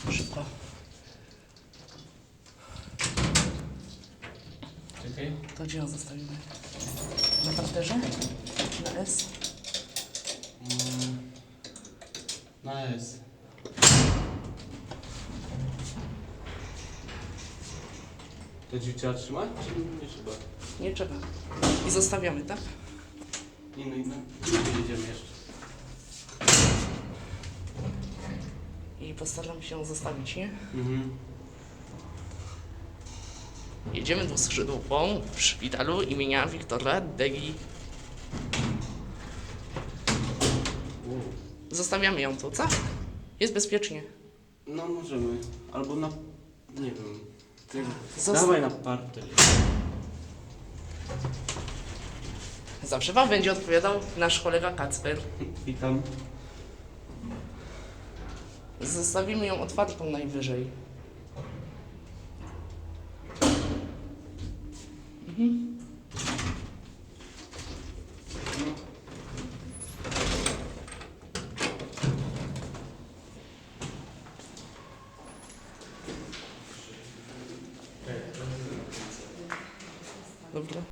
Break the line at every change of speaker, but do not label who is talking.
Szybko.
Czekaj.
To gdzie ją zostawimy? Na parterze? Na S?
Na S. To drzwi trzeba trzymać, czy nie trzeba?
Nie trzeba. I zostawiamy, tak?
Nie, no i na gdzie jedziemy jeszcze?
I postaram się ją zostawić, nie?
Mhm.
Jedziemy dwuskrzydłową w szpitalu imienia Wiktora Degi.
Wow.
Zostawiamy ją tu, co? Jest bezpiecznie.
No możemy. Albo na... nie wiem.
Zosta-
Dawaj na parter.
Zawsze wam będzie odpowiadał nasz kolega Kacper.
Witam.
Zostawimy ją otwartą najwyżej. Dobra.